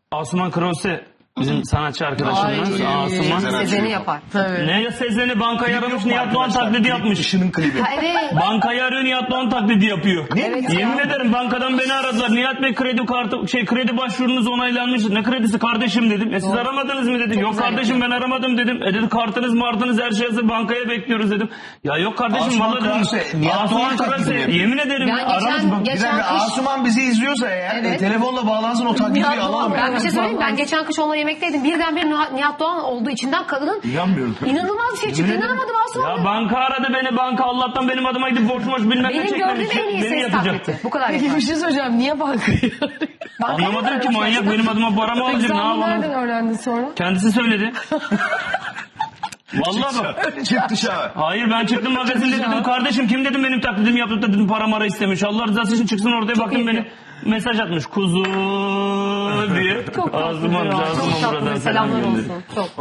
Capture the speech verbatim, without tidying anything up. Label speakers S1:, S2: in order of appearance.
S1: Asuman Krause bizim sanatçı arkadaşımız. Asuman.
S2: Sezen'i yapar.
S3: Tabii.
S1: Ne ya Sezen'i bankayı aramış Nihat Doğan taklidi yapmış.
S4: Işının klibi.
S2: Evet.
S1: Bankayı arıyor Nihat Doğan taklidi yapıyor.
S2: Evet
S1: Yemin
S2: ya.
S1: ederim bankadan beni aradılar. Nihat Bey kredi kartı şey kredi başvurunuz onaylanmış. Ne kredisi kardeşim dedim. E siz
S2: Doğru.
S1: aramadınız mı dedim.
S2: Çok
S1: Yok
S2: güzel
S1: kardeşim
S2: yapıyor.
S1: ben aramadım dedim. E dedi kartınız martınız her şey hazır bankaya bekliyoruz dedim. Ya yok kardeşim
S4: Asuman
S1: vallahi dedim.
S4: Krause, Nihat
S1: Asuman
S4: Doğan taklidi
S1: Krause,
S4: mi yapıyor?
S1: yemin ederim.
S2: Ben
S1: aramış
S2: geçen-
S1: bak.
S4: Bir
S2: geçen
S4: dakika,
S2: kış-
S4: Asuman bizi izliyorsa eğer
S2: Evet.
S4: e, telefonla bağlansın o taklidi
S3: Nihat
S4: alalım.
S3: Doğan-
S2: Ben bir şey söyleyeyim. Ben geçen kış onunla yemekteydim. Birdenbire Nihat, Nihat Doğan olduğu içinden kadının
S4: İnanmıyorum.
S2: inanılmaz bir şey çıktı.
S1: Yemin ederim.
S2: İnanamadım Asuman.
S1: Ya banka aradı beni banka Allah'tan benim adıma gidip borç borç bilmem ne
S2: Benim
S1: çekmemiş.
S2: gördüğüm en iyi
S1: Beni
S2: ses
S1: yatacaktı.
S2: taklidi. Bu kadar
S3: Peki
S2: yeter.
S3: bir şey söyleyeceğim. Niye bankayı
S2: Bankaya
S1: Anlamadım
S2: mı
S1: ki
S2: aramışlar?
S1: manyak benim adıma para mı alacak ne
S3: Sen bunu nereden
S1: yapalım?
S3: öğrendin sonra?
S1: Kendisi söyledi. Vallahi bak.
S4: Çık dışarı.
S1: Hayır ben çıktım magazinde dedim kardeşim kim dedim benim taklidimi yaptı da dedim para mara istemiş. Allah rızası için çıksın ortaya baktım beni mesaj atmış kuzu diye.
S2: Çok tatlı.
S1: Ağzıma
S2: Çok
S1: ağzıma
S2: tatlı.
S1: buradan
S2: Selamlar
S1: selam gönderiyor.
S2: olsun. Çok.